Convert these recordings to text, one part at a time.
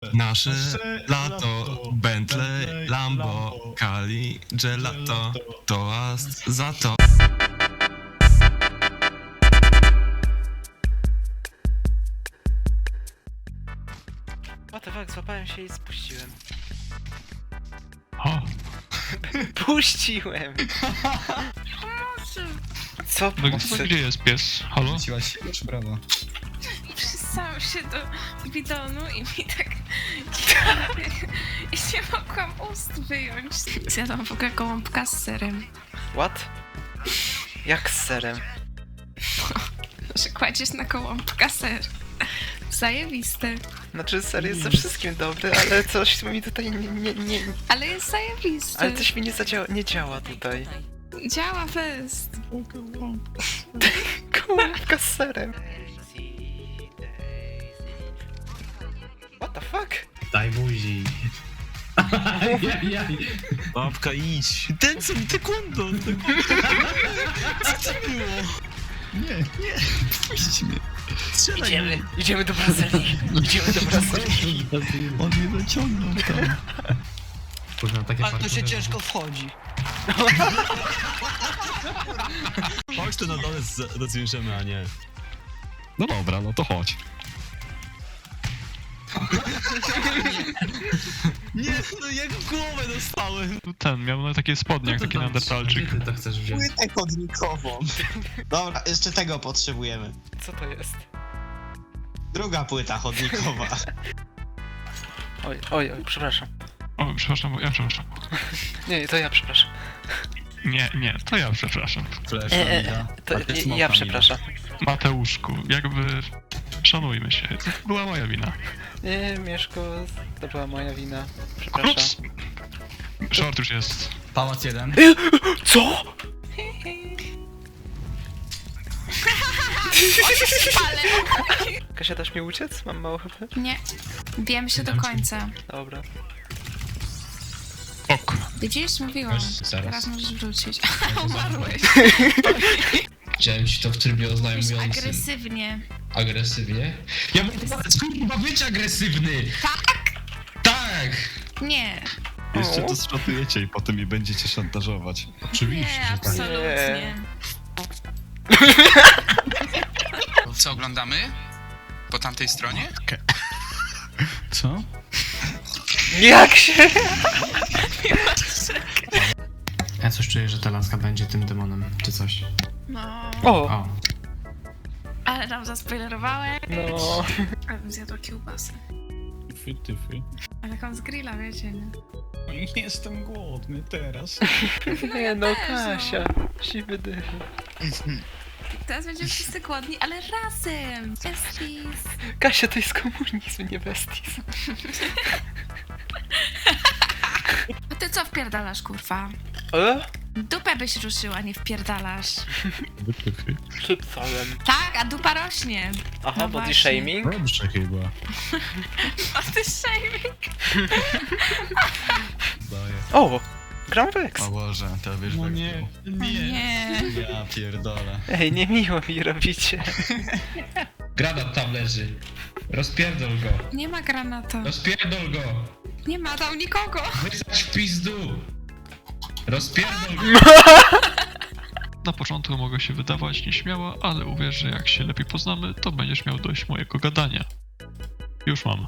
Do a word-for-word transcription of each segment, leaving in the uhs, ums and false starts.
Nasze lato, Bentley, Lambo, Cali, Gelato, toast za to. What the fuck, złapałem się i spuściłem. O, Puściłem! Co? no, Pomocy? gdzie jest pies? Halo? Wróciłaś się czy brawo? Przystałam się do bidonu i mi tak... I nie mogłam ust wyjąć. Zjadłam w ogóle gołąbka z serem. What? Jak z serem? Że kładziesz na gołąbka ser. Zajebiste. Znaczy ser jest ze wszystkim dobry, ale coś mi tutaj nie... nie, nie Ale jest zajebiste. ale coś mi nie zadziała, nie działa tutaj. Działa fest. Gołąbka z serem. What the fuck? Daj buzi. Jaj, Babka, idź. Ten co mi taekwondo. Co to było? Nie, nie, puść mnie. Strzelaj Idziemy, mnie. idziemy do Brazylii. Idziemy do Brazylii. On mnie zaciągnął tam. Kurwa, takie Ale to się parkury. ciężko wchodzi. Chodź to na dole z- rozwiążemy, a nie. No dobra, no to chodź. Nie, no jak w głowę dostałem. Ten miał na takie spodnie, jak Co ty taki tam- neandertalczyk. Gdzie ty to chcesz wziąć? Płytę chodnikową. Dobra, jeszcze tego potrzebujemy. Co to jest? Druga płyta chodnikowa. Oj, oj, oj, przepraszam. O, przepraszam, ja przepraszam. Nie, to ja przepraszam. Nie, nie, to ja przepraszam. Flash, E, e, Amiga. To A ty ja, smoka, ja Amiga. przepraszam. Mateuszku, jakby... Szanujmy się, to była moja wina. Nie, Mieszko, to była moja wina. Przepraszam. Ups! Short już jest. Pałac jeden. Co? Spalę. Kasia, dasz mi uciec? Mam mało H P? Nie. Bijemy się do końca. Dobra. Ok. Widzisz? Mówiłam. Zaraz. Teraz możesz wrócić. Umarłeś. Chciałem ci to w trybie Jesteś oznajmującym. agresywnie. Agresywnie? Ja mogę kurwa być agresywny! Tak? Tak! Nie. Jeszcze to zszatujecie i potem mi będziecie szantażować. Oczywiście, Nie, że tak. absolutnie. Co oglądamy? Po tamtej stronie? Co? Jak się? Ja coś czuję, że ta laska będzie tym demonem, czy coś. No. O! O, Ale nam zaspoilerowałeś. No. Ale bym zjadła kiełbasę. Ty, ty, ty. Ale taką z grilla, wiecie, nie? Jestem głodny teraz. Nie no, też, no. Kasia. Siwy dych. Teraz będziemy wszyscy głodni, ale razem! Besties! Kasia, to jest komunizm, nie besties. A ty co wpierdalasz, kurwa? E? Dupę byś ruszyła, nie wpierdalasz. Chipsałem. Tak, a dupa rośnie. Aha, No body właśnie. shaming? Dobrze chyba. O, ty shaming. Daję. O! Gram Vex. O Boże, to wiesz No jak nie, O nie. było. Ja pierdolę. Ej, niemiło mi robicie. granat tam leży. Rozpierdol go. Nie ma granata. Rozpierdol go. Nie ma tam nikogo. Wysać w pizdu. Rozpierdol go. Na początku mogę się wydawać nieśmiała, ale uwierz, że jak się lepiej poznamy, to będziesz miał dość mojego gadania. Już mam.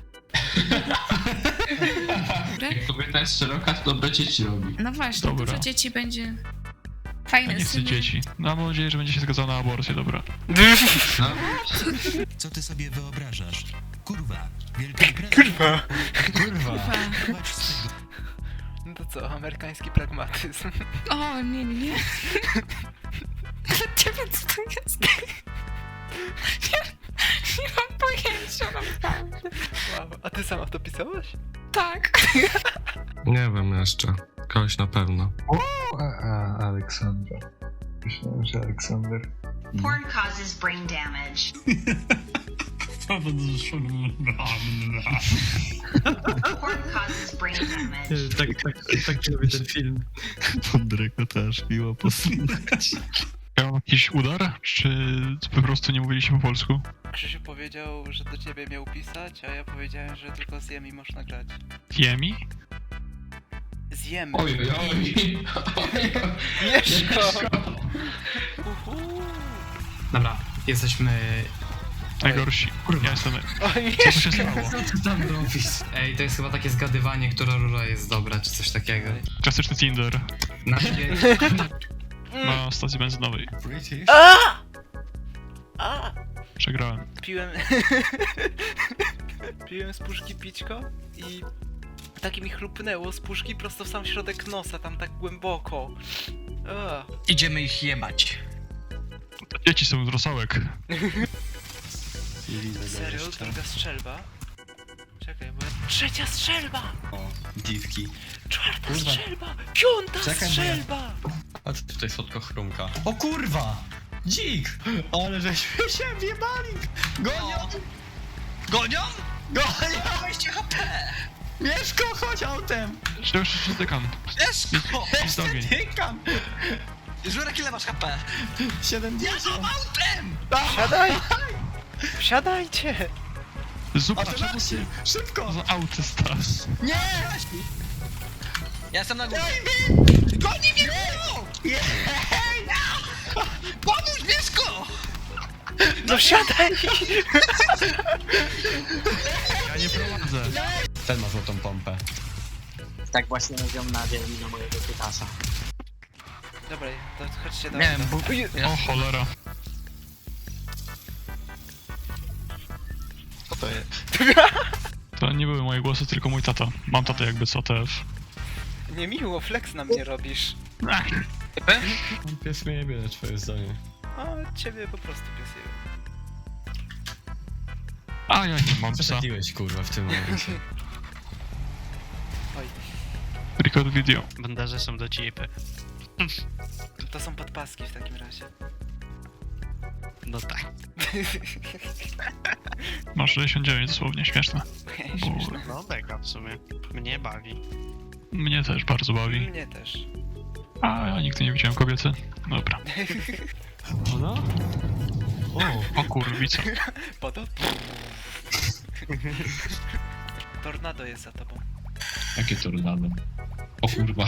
Dobry? Kobieta jest szeroka, to dobre dzieci robi. No właśnie, Dobra. dużo dzieci będzie. Ja Fajne nie chcę syny. dzieci. No, mam nadzieję, że będzie się zgadzał na aborcję, dobra. No, Co ty sobie wyobrażasz? Kurwa, wielka gra. Kurwa. Kurwa. Kurwa. Zobacz z tego. No to co, amerykański pragmatyzm. O, nie, nie, nie. Dla ciebie co to jest? Nie, nie mam pojęcia naprawdę. Wow, a ty sama to pisałaś? Tak. Nie wiem jeszcze. Kogoś na pewno. A, Aleksandra. Myślałem, że Aleksander. Porn causes brain damage. Porn causes brain damage. Tak, tak, tak lubię ten film. Podryko też miło posłuchać. Miał jakiś udar, czy po prostu nie mówiliście po polsku? Krzysiu powiedział, że do ciebie miał pisać, a ja powiedziałem, że tylko z Jemi można grać. Jemi? Z Jemi. Oj, oj, oj. Mieszko! Uhu. Dobra, jesteśmy... Najgorsi. Ja jestem... Oj, Co tu się Mieszko! stało? Co ty tam robisz? Ej, to jest chyba takie zgadywanie, która rura jest dobra, czy coś takiego. Klasyczny Tinder Na na stacji benzynowej. British? A! A! Przegrałem. Piłem... Piłem z puszki pićko i... Tak mi chlupnęło z puszki prosto w sam środek nosa, tam tak głęboko. A. Idziemy ich jebać. Dzieci są z rosołek. Nie widzę go Serio? jeszcze. Druga strzelba? Czekaj, bo ja... Trzecia strzelba! O, dziwki. Czwarta Kurwa. strzelba! Piąta Czekaj, bo ja- strzelba! Patrz, tutaj słodko chrumka. O kurwa! Dzik! Ale żeśmy się wjebali! Gonią! Gonią? Gonią! dwadzieścia H P! Mieszko, chodź autem! Czy już się dotykam? Mieszko! Idź do ogień. Tykam! Żurek, ile masz H P? siedemdziesiąt! Autem! Wsiadaj! Wsiadajcie! Zupa, A ty czemu macie! ty Szybko! za autysta? Nie! Ja jestem na górze. Goni mnie! Nie! Pomóż, Mieszko! No wsiadaj! Ja nie prowadzę. Ten ma złotą pompę. Tak właśnie mówią na dzielni na mojego pytasa. Dobra, to chodźcie do Nie wiem, auta. bo... O cholera. Co to jest? To nie były moje głosy, tylko mój tata. Mam tatę jakby co T F. Niemiło, flex na mnie robisz. Ach, Pies mnie jebie na twoje zdanie. A ciebie po prostu piesuje. a ja nie mam psa. Przesadziłeś kurwa w tym momencie. Oj, Record video. Bandaże są do cipy. to są podpaski w takim razie. No tak. Masz sześćdziesiąt dziewięć dosłownie, śmieszne. Śmieszne. No mega w sumie. Mnie bawi. Mnie też bardzo bawi. Mnie też. A ja nigdy nie widziałem kobiety. Dobra. Ona? O! O kurwica. Poto? Tornado jest za tobą. Jakie tornado? O kurwa.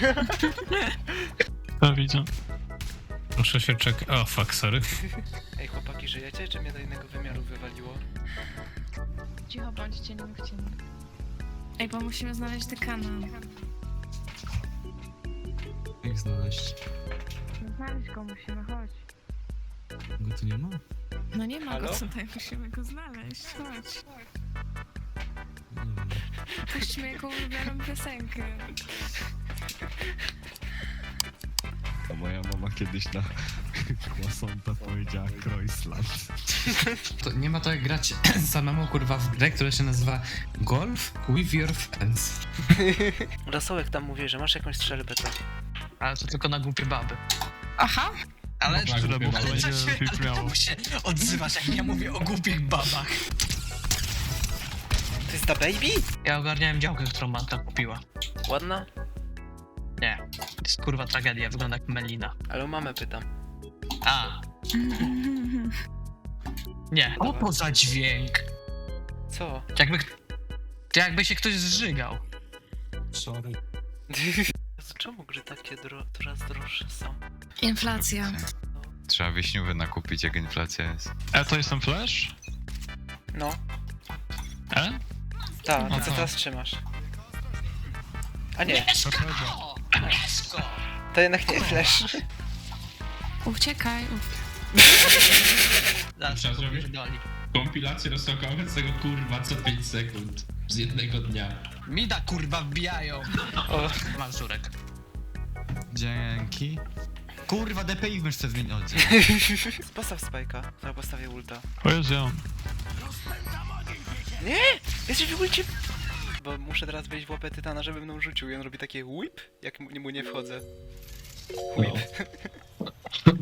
Ja widzę. Muszę się czekać. O, fuck, sorry. Ej chłopaki, żyjecie? Czy mnie do innego wymiaru wywaliło? Cicho bądźcie, nie mówcie mi. Ej, bo musimy znaleźć dekana. Jak znaleźć? Znaleźć go musimy, chodź. Go tu nie ma? No nie ma Halo? go tutaj, musimy go znaleźć, chodź. Nie wiem. Puśćmy jego ulubioną piosenkę. A moja mama kiedyś na Croissanta powiedziała Croissant. To nie ma to jak grać samemu kurwa w grę, która się nazywa Golf with your friends. Rosołek tam mówi, że masz jakąś strzelbę, to... Ale to tylko na głupie baby. Aha! Ale... Tyle, bo to będzie brzmiało. Czemu się odzywasz, jak ja mówię o głupich babach? To jest ta baby? Ja ogarniałem działkę, którą matka kupiła. Ładna? Nie. To jest kurwa tragedia, wygląda jak melina. Ale o mamę pytam. A. Nie. O to za dźwięk. Co? Jakby... To jakby się ktoś zżygał. Sorry. Czemu gry takie dro coraz droższe są? Inflacja. Trzeba wiśniówy nakupić, jak inflacja jest. E, to jest ten flash? No. E? Tak, Aha. co teraz trzymasz? A nie, Mieszko! Mieszko! to jednak nie flash. Uciekaj. Zaraz Trzeba to zrobić? pierdoli. Kompilację rozsokowego kurwa co pięć sekund. Z jednego dnia. Mida kurwa wbijają. O, Masz żurek. Dzięki. Kurwa, D P I w myszce zmienić. postaw spajka, to postawię ulta. O Jezu, ja mam. Nie! Jesteś w ulcie! Bo muszę teraz wejść w łapę tytana, żeby mną rzucił i on robi takie whip, jak mu, mu nie wchodzę. Whip.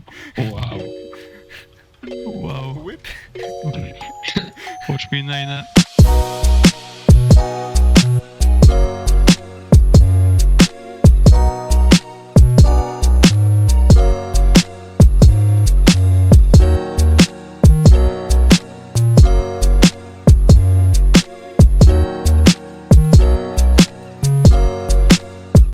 Wow. Wow. Whip? Watch me, Nine.